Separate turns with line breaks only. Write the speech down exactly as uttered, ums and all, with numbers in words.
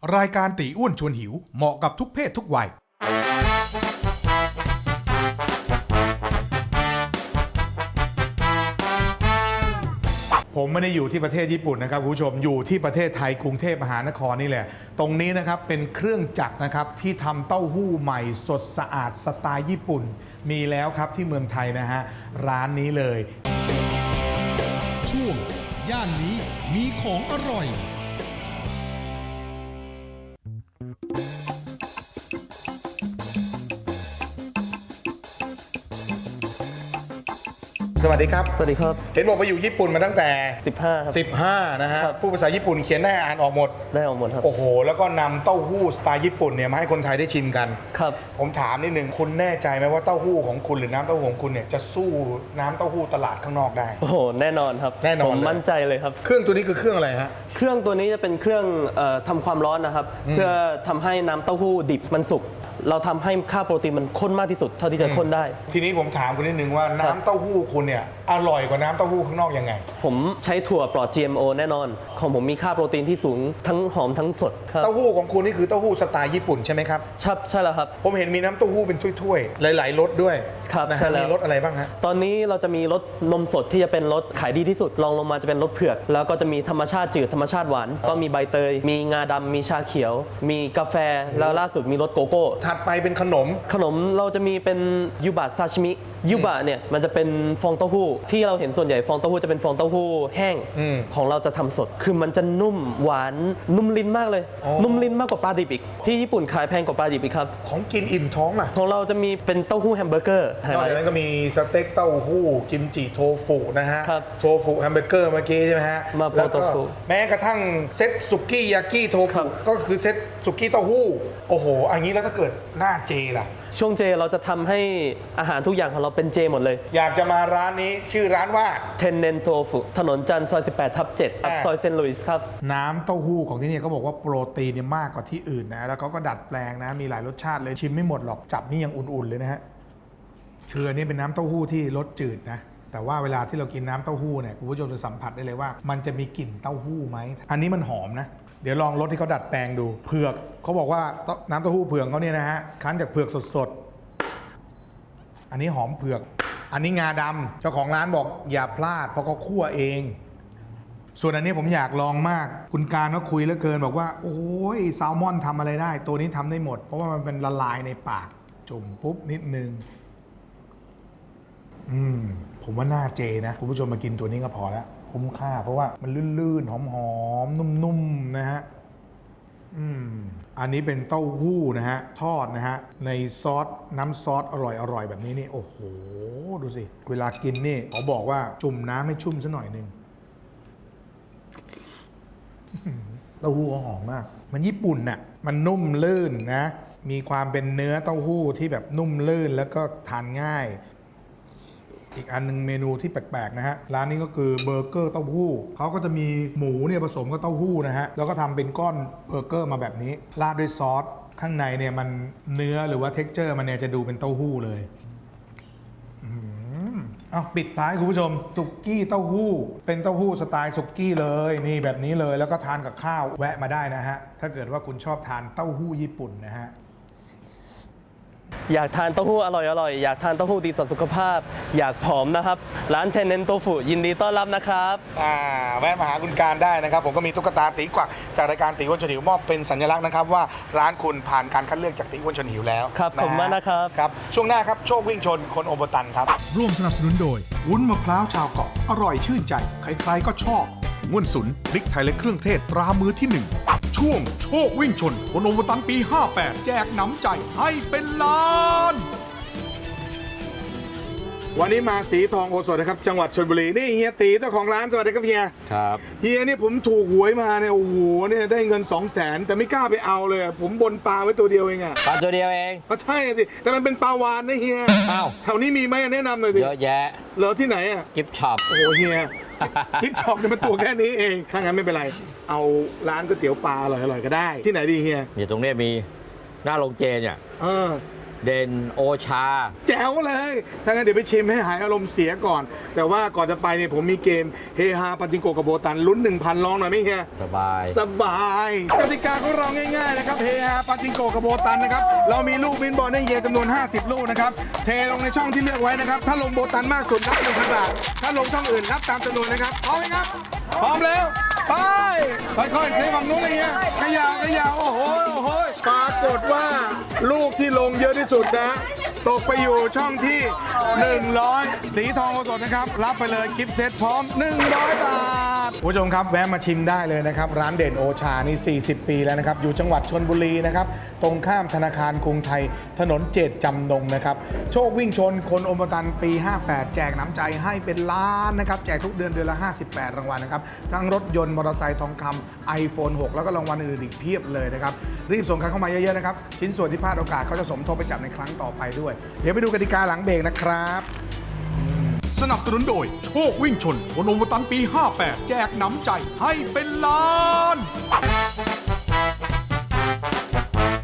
รายการตีอ้วนชวนหิวเหมาะกับทุกเพศทุกวัยผมไม่ได้อยู่ที่ประเทศญี่ปุ่นนะครับคุณผู้ชมอยู่ที่ประเทศไทยกรุงเทพมหานครนี่แหละตรงนี้นะครับเป็นเครื่องจักรนะครับที่ทำเต้าหู้ใหม่สดสะอาดสไตล์ญี่ปุ่นมีแล้วครับที่เมืองไทยนะฮะร้านนี้เลยช่วงย่านนี้มีของอร่อยสวัสดีครับ
สวัสดีครับ
เห็นบอกไปอยู่ญี่ปุ่นมาตั้งแต่
สิบห้าครับ
สิบห้านะฮะพูดภาษาญี่ปุ่นเขียนได้อ่านออกหมด
ได้ออกหมดครับ
โอ้โหแล้วก็นำเต้าหู้สไตล์ญี่ปุ่นเนี่ยมาให้คนไทยได้ชิมกัน
ครับ
ผมถามนิดนึงคุณแน่ใจไหมว่าเต้าหู้ของคุณหรือน้ำเต้าหู้ของคุณเนี่ยจะสู้น้ำเต้าหู้ตลาดข้างนอกได้
โอ้โหแน่นอนครับ
แน่นอน
ผมมั่นใจเลยครับ
เครื่องตัวนี้คือเครื่องอะไรฮะ
เครื่องตัวนี้จะเป็นเครื่องเอ่อทำความร้อนนะครับเพื่อทำให้น้ำเต้าหู้ดิบมันสุกเราทำให้ค่าโปรตีนมันข้นมากที่สุดเท่าที่จะข้นได้
ทีนี้ผมถามคุณนิดนึงว่าน้ำเต้าหู้คุณเนี่ยอร่อยกว่าน้ำเต้าหู้ข้างนอกยังไง
ผมใช้ถั่วปลอด จี เอ็ม โอ แน่นอนของผมมีค่าโปรตีนที่สูงทั้งหอมทั้งสดครับ
เต้าหู้ของคุณนี่คือเต้าหู้สไตล์ญี่ปุ่นใช่ไหมครับ
ใช่ใช่แล้วครับ
ผมเห็นมีน้ำเต้าหู้เป็นถ้วยๆหลายๆรสด้วย
ครับ
นะฮะ
ใช่แล้ว
มีรสอะไรบ้างฮะ
ตอนนี้เราจะมีรสนมสดที่จะเป็นรสขายดีที่สุดรองลงมาจะเป็นรสเผือกแล้วก็จะมีธรรมชาติจืดธรรมชาติหวานก็มีใบเตยมีงาดำมีชาเขียวมีกาแฟแล้วล่าสุดมีรสโกโก้
ถัดไปเป็นขนม
ขนมเราจะมีเป็นยูบะซาชิมิยูบะเนี่ยมันจะเป็นฟองเต้าหู้ที่เราเห็นส่วนใหญ่ฟองเต้าหู้จะเป็นฟองเต้าหู้แห้งของเราจะทำสดคือมันจะนุ่มหวานนุ่มลิ้นมากเลยนุ่มลิ้นมากกว่าปลาดิบอีกที่ญี่ปุ่นขายแพงกว่าปลาดิบอีกครับ
ของกินอิ่มท้องล่ะ
ของเราจะมีเป็นเต้าหู้แฮมเบอร์เกอร์
นอกจากนั้นก็มีสเต็กเต้าหู้กิมจิโทฟุนะฮะโทฟุแฮมเบอร์เกอร์เมื่อกี้ใช่ไหมฮะ
มาโปโตฟุ
แม้กระทั่งเซตสุกี้ยากิโทฟุก็คือเซตสุกี้เต้าหู้โอ้โหอันนี้แล้วถ้าเกิดหน้าเจล่ะ
ช่วงเจเราจะทำให้อาหารทุกอย่างของเราเป็นเจหมดเลย
อยากจะมาร้านนี้ชื่อร้านว่า
เทนเนนโทฟุถนนจันทร์ซอยสิบแปดทับเจ็ดซอยเซนต์หลุยส์ครับ
น้ำเต้าหู้ของที่นี่เขาบอกว่าโปรตีนเนี่ยมากกว่าที่อื่นนะแล้วเขาก็ดัดแปลงนะมีหลายรสชาติเลยชิมไม่หมดหรอกจับนี่ยังอุ่นๆเลยนะฮะคืออันนี้เป็นน้ำเต้าหู้ที่รสจืดนะแต่ว่าเวลาที่เรากินน้ำเต้าหู้เนี่ยคุณผู้ชมจะสัมผัสได้เลยว่ามันจะมีกลิ่นเต้าหู้ไหมอันนี้มันหอมนะเดี๋ยวลองรสที่เขาดัดแปลงดูเผือกเขาบอกว่าน้ำเต้าหู้เผือกเขาเนี่ยนะฮะคั้นจากเผือกสดๆอันนี้หอมเผือกอันนี้งาดำเจ้าของร้านบอกอย่าพลาดเพราะเขาคั่วเองส่วนอันนี้ผมอยากลองมากคุณการก็คุยเหลือเกินบอกว่าโอ้ยแซลมอนทำอะไรได้ตัวนี้ทำได้หมดเพราะว่ามันเป็นละลายในปากจุ่มปุ๊บนิดนึงอืมผมว่าน่าเจนะคุณผู้ชมมากินตัวนี้ก็พอแล้วคุ้มค่าเพราะว่ามันลื่นๆหอมๆนุ่มๆนะฮะอืมอันนี้เป็นเต้าหู้นะฮะทอดนะฮะในซอสน้ำซอสอร่อยๆแบบนี้นี่โอ้โหดูสิเวลากินนี่เขาบอกว่าจุ่มน้ำให้ชุ่มซะหน่อยนึงเต้าหู้ก็หอมมากมันญี่ปุ่นน่ะมันนุ่มลื่นนะมีความเป็นเนื้อเต้าหู้ที่แบบนุ่มลื่นแล้วก็ทานง่ายอีกอันนึงเมนูที่แปลกๆนะฮะร้านนี้ก็คือเบอร์เกอร์เต้าหู้เขาก็จะมีหมูเนี่ยผสมกับเต้าหู้นะฮะแล้วก็ทำเป็นก้อนเบอร์เกอร์มาแบบนี้ราดด้วยซอสข้างในเนี่ยมันเนื้อหรือว่าเท็กเจอร์มันเนี่ยจะดูเป็นเต้าหู้เลยเอาปิดท้ายคุณผู้ชมสุกี้เต้าหู้เป็นเต้าหู้สไตล์สุกี้เลยนี่แบบนี้เลยแล้วก็ทานกับข้าวแวะมาได้นะฮะถ้าเกิดว่าคุณชอบทานเต้าหู้ญี่ปุ่นนะฮะ
อยากทานเต้าหู้อร่อยอร่อยอยากทานเต้าหู้ดีต่อสุขภาพอยากผอมนะครับร้านเทนเนนโตฟุยินดีต้อนรับนะครับ
อ่าแวะมาหาคุณการได้นะครับผมก็มีตุ๊กตาตีกวักจากรายการตีอ้วนชวนหิวมอบเป็นสัญลักษณ์นะครับว่าร้านคุณผ่านการคัดเลือกจากตีอ้วนชวนหิวแล้ว
ครับผมมากนะครับ
ครับช่วงหน้าครับโชควิ่งชนคนโอโบตันครับร่วมสนับสนุนโดยวุ้นมะพร้าวชาวเกาะอร่อยชื่นใจใครๆก็ชอบง่วนสุนพริกไทยและเครื่องเทศตรามือที่หนึ่งช่วงโชควิ่งชนคนโอโบตันปีห้าแปดแจกน้ำใจให้เป็นล้านวันนี้มาสีทองโอสถนะครับจังหวัดชลบุรีนี่เฮียตีเจ้าของร้านสวัสดีครับเฮีย
ครับ
เฮียนี่ผมถูกหวยมาเนี่ยโอ้โหเนี่ยได้เงิน สองแสน แต่ไม่กล้าไปเอาเลยผมบนปลาไว้ตัวเดียวเองอะ
ปลาตัวเดียวเอง
ก็ใช่สิแต่มันเป็นปลาวานนะเฮีย
อ้าว
แถวนี้มีไหมแนะนำหน่อยสิ
เยอะแยะ
เหรอที่ไหนอะ
กิฟต์ช็อป
โอ้โหเฮียกิฟต์ช็อปเนี่ยมันตัวแค่นี้เองถ้างั้นไม่เป็นไรเอาร้านก๋วยเตี๋ยวปลาอร่อยๆก็ได้ที่ไหนดีเฮีย
อยู่ตรงนี้มีหน้าโรงเจเนี่ย
เออ
เด่นโอชา
แจ๋วเลยถ้างั้นเดี๋ยวไปชิมให้หายอารมณ์เสียก่อน แต่ว่าก่อนจะไปเนี่ยผมมีเกมเฮฮาปาจิงโกะกับโบตันลุ้น หนึ่งพัน ลองหน่อยไหมเฮีย
สบาย
สบายกติกาของเราง่ายๆนะครับเฮฮาปาจิงโกะกับโบตันนะครับเรามีลูกบินบอลให้เฮียจำนวน ห้าสิบ ลูกนะครับเทลงในช่องที่เลือกไว้นะครับถ้าลงโบตันมากสุดนับหนึ่งพันบาทถ้าลงช่องอื่นนับตามจำนวนนะครับพร้อมไหมครับพร้อมแล้วไปค่อยๆเคลื่อนฝั่งนู้นเลยเฮียขยาวขยาวโอ้โหโอ้โหปรากฏว่าลูกที่ลงเยอะที่สุดนะตกไปอยู่ช่องที่ หนึ่งร้อย สีทองโอสถนะครับรับไปเลยกิฟต์เซตพร้อม หนึ่งร้อย บาทคุณผู้ชมครับแวะมาชิมได้เลยนะครับร้านเด่นโอชานี่ สี่สิบ ปีแล้วนะครับอยู่จังหวัดชลบุรีนะครับตรงข้ามธนาคารกรุงไทยถนนเจตจำนงนะครับโชควิ่งชนคนอมตันปี ห้าแปด แจกน้ำใจให้เป็นล้านนะครับแจกทุกเดือนเดือนละ ห้าสิบแปด รางวัลนะครับทั้งรถยนต์มอเตอร์ไซค์ทองคำ ไอโฟน หก แล้วก็รางวัลอื่นๆอีกเพียบเลยนะครับรีบส่งกันเข้ามาเยอะๆนะครับชิ้นส่วนที่พลาดโอกาสเขาจะสมทบไปจับในครั้งต่อไปด้วยเดี๋ยวไปดูกติกาหลังเบรกนะครับ
สนับสนุนโดยโชควิ่งชนคนอมตันปี ห้าแปด แจกหนำใจให้เป็นล้าน